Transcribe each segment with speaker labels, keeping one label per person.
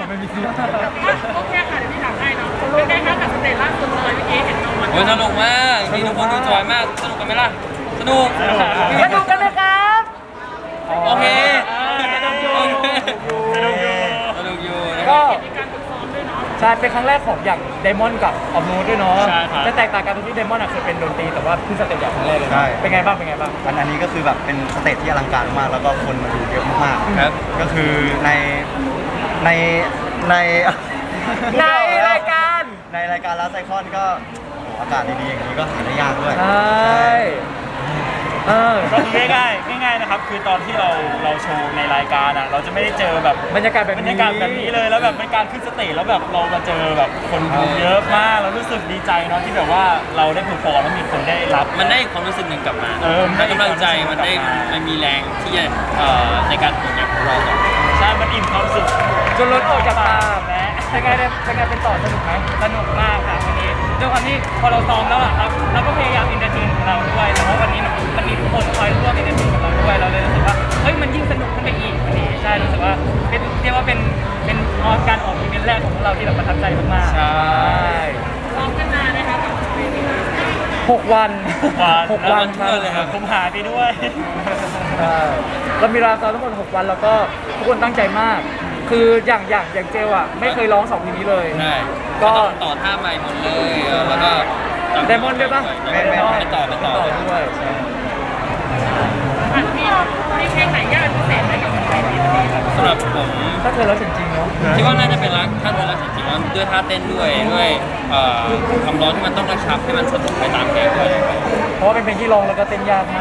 Speaker 1: ไม่มีซีน
Speaker 2: โอเคค่ะเดี๋ยวพี่ถามให้เนาะเป็นไงคะกับสเตจล่าสุดเลยเมื่อกี้เห็นน้องมัน
Speaker 3: โอ้ยสนุกมากมีทุกคนดูจอยมากสนุกกันไหมล่ะสนุก
Speaker 1: สนุกกันนะครับ
Speaker 3: โอเค
Speaker 1: สนุกอยู่
Speaker 3: สนุกอยู่นะค
Speaker 1: ก็
Speaker 3: รับ
Speaker 2: มีการฝึกซ้อมด้วยเนาะ
Speaker 1: ใช่เป็นครั้งแรกของอย่างไดมอนด์กับออมนูด้วยเนาะ
Speaker 4: ใช่ครับ
Speaker 1: จะแตกต่างกันตรงที่ไดมอนด์เคยเป็นดนตรีแต่ว่าขึ้นสเตจใหญ่ครั้งแรกเลย
Speaker 5: ใช่
Speaker 1: เป็นไงบ้างเป็นไงบ้าง
Speaker 5: อันนี้ก็คือแบบเป็นสเตจที่อลังการมากแล้วก็คนมาดูเยอะมาก
Speaker 3: ครับ
Speaker 5: ก็คือในใน
Speaker 1: ในรายการ
Speaker 5: ในรายการลาไซคอนก็โอ้โหอากาศดีๆอย่างนี้ก็หาได้ยากด้วย
Speaker 1: ใช่เออ
Speaker 4: ก็คือง่ายๆนะครับคือตอนที่เราโชว์ในรายการอ่ะเราจะไม่ได้เจอแบบ
Speaker 1: บรรยากาศแบบ
Speaker 4: บร
Speaker 1: นี้
Speaker 4: รยากาศแบบนี้เลยแล้วแบบเป็นการขึ้นสเตจแล้วแบบเรามาเจอแบบคนดูเยอะมากเรารู้สึกดีใจเนาะที่แบบว่าเราได้เพอร์ฟอร์มแล้วมีคนได้รับ
Speaker 3: มันได้ความรู้สึกหนึ่งกลับมา
Speaker 4: มันได้
Speaker 3: ให้กำลังใจมันได้
Speaker 4: กลับมา
Speaker 3: มันมีแรงที่จะในการผลงานของเราต่อ
Speaker 4: ใช่มันอิ่มความสุข
Speaker 1: จนล้นออกจากปาก
Speaker 4: และ
Speaker 1: เป็นไงเนี่ยเป็นไงเป็นต่อสนุกไหม
Speaker 4: สนุกมากค่ะวันนี้ด้วยความที่พอเราซ้อมแล้วอะครับเราก็พยายามอินเตอร์เทนของเราด้วยแต่ว่าวันนี้มันมีทุกคนคอยร่วมอินเตอร์เทนกับเราด้วยเราเลยรู้สึกว่าเฮ้ยมันยิ่งสนุกขึ้นไปอีกวันนี้ใช่รู้สึกว่าเป็นเรียกว่าเป็นการออกอีเวนต์แรกของพวกเราที่แบบประทับใจมากๆ
Speaker 1: ใช่
Speaker 2: ซ้อมกันนานนะคะกับเวทีนี้
Speaker 1: 6 วัน
Speaker 4: 6
Speaker 1: 6 วัน
Speaker 3: เพื่อนเลยครับ
Speaker 4: ผมหายไปด้วย
Speaker 1: ใช่เรามีเวลาซ้อมทั้งหมด6 วันแล้วก็ทุกคนตั้งใจมาก คืออย่างเจลอ่ะไม่เคยร้อง2เพลงนี้เลย
Speaker 3: ใช่
Speaker 1: ก็
Speaker 3: ก็ต้องต่อท่าใหม่หมดเลยแล้วก็
Speaker 1: ไดมอนด์ด้วยปะ
Speaker 3: ไปต่อ
Speaker 1: ด้วยใช่
Speaker 2: อ่ะมีเพลงไหนยากพิเศษไหมกับเพลงนี้ครับ
Speaker 3: สำหรับผม
Speaker 1: ถ้าเคยร้องจริงๆเนาะ
Speaker 3: คิดว่าน่าจะเป็นรักท่าเรือรักจริงๆว่าด้วยท่าเต้นด้วยความร้อนที่มันต้องกระชับให้มันสนุกไปตามเพลงด้วย
Speaker 1: เพราะว่าเป็นเพลงที่ร้องแล้วก็เต้นยากมาก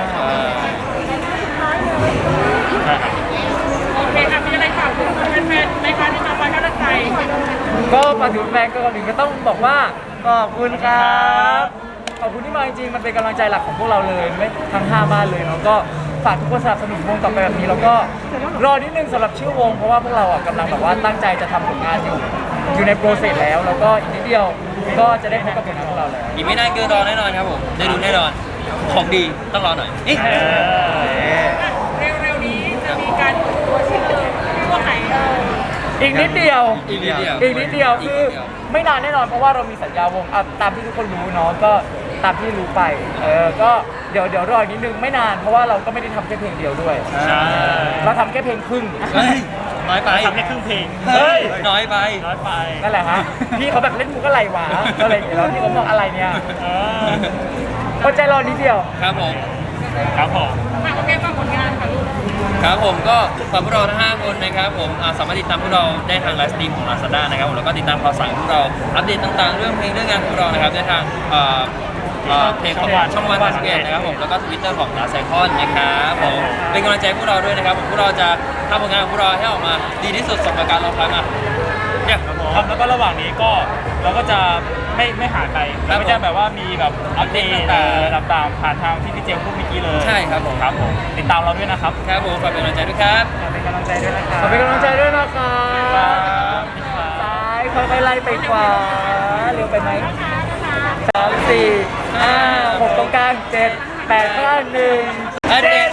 Speaker 4: ใช่ครับ
Speaker 2: โอเคค่ะมีอะไรฝากถึงแฟนๆในการที่มาฟังกำลังใจ
Speaker 1: ก็มาถึงแฟนก็ก่อนอื่นก็ต้องบอกว่าขอบคุณครับขอบคุณที่มาจริงๆมันเป็นกำลังใจหลักของพวกเราเลยไม่ทั้ง5บ้านเลยเนาะก็ฝากทุกคนสนับสนุนวงต่อไปแบบนี้แล้วก็รอนิดนึงสำหรับชื่อวงเพราะว่าพวกเราอ่ะกำลังแบบว่าตั้งใจจะทำผลงานอยู่ในโปรเซสแล้วก็อีกนิดเดียวก็จะได้พบกับผลงานของเราแล้ว
Speaker 3: อีกไม่นานเกินรอแน่นอนครับผมได้ดูแน่นอนของดีต้องรอหน่อยเอ๊ะ
Speaker 2: เร็วๆนี้จะมีการเปิดตัวชื่อพวกไหน
Speaker 1: อีกนิดเดียว
Speaker 3: อีกนิดเดียว
Speaker 1: อีกนิดเดียวคือไม่นานแน่นอนเพราะว่าเรามีสัญญาวงอ่ะตามที่ทุกคนรู้เนาะก็ตามที่รู้ไปก็เดี๋ยวรออีกนิดนึงไม่นานเพราะว่าเราก็ไม่ได้ทำแค่เพลงเดียวด้วย
Speaker 4: ใช่
Speaker 1: เราทำแค่เพลงครึ่ง
Speaker 3: เฮ้ยน้อยไป
Speaker 4: ทำแค่ครึ่งเพลง
Speaker 3: เฮ้ยน้อยไป
Speaker 4: น้อยไป
Speaker 1: นั่นแหละฮะพี่เขาแบบเล่นมุกอะไรวะอะไรอย่างเงี้ยแล้วพี่เขาบอกอะไรเนี่ย
Speaker 4: เออ
Speaker 1: อดใจรอนิดเดียว
Speaker 3: ครับผม
Speaker 4: ครับผม
Speaker 2: ฝากโอเคฝากผลงานค่ะลูก
Speaker 3: ครับผมก็ฝากพวกเราทั้ง5คนนะครับผมสามารถติดตามพวกเราได้ทางไลฟ์สตรีมของ Lazada นะครับผมแล้วก็ติดตามข่าวสารพวกเราอัปเดตต่างๆ เรื่องเพลงเรื่องงานของพวกเรานะครับได้ทางเพจของช่องวัน31นะครับผมแล้วก็ Twitter ของ l a c o n นะครับผมเป็นกำลังใจให้พวกเราด้วยนะครับผมพวกเราจะทำผลงานของพวกเราให้ออกมาดีที่สุดสำหรับการรอคอยมาเนี่ย
Speaker 4: ครับแล้วก็ระหว่างนี้ก็เราก็จะไม่หายไป
Speaker 3: ครับ
Speaker 4: เราก็จะแบบว่ามีแบบอัปเดต
Speaker 3: ต่างๆ
Speaker 4: ผ่านทางที่พี่เจมส์พูดเมื่อกี้เลย
Speaker 3: ใช่ครับผม
Speaker 4: ครับผมติดตามเราด้วยนะครับ
Speaker 3: ครับผมฝากเป็นกำลังใจด้วยครับ
Speaker 4: เป็นกำลังใจด้วยนะครับ
Speaker 1: ขอเป็นกำลังใจด้วยนะคะ
Speaker 4: ครับ
Speaker 1: ซ้ายค่อยๆไล่ไปขวาเร็วไปไหม3 4 5 6ตรงกลาง7 8 5 1
Speaker 3: อัปเดต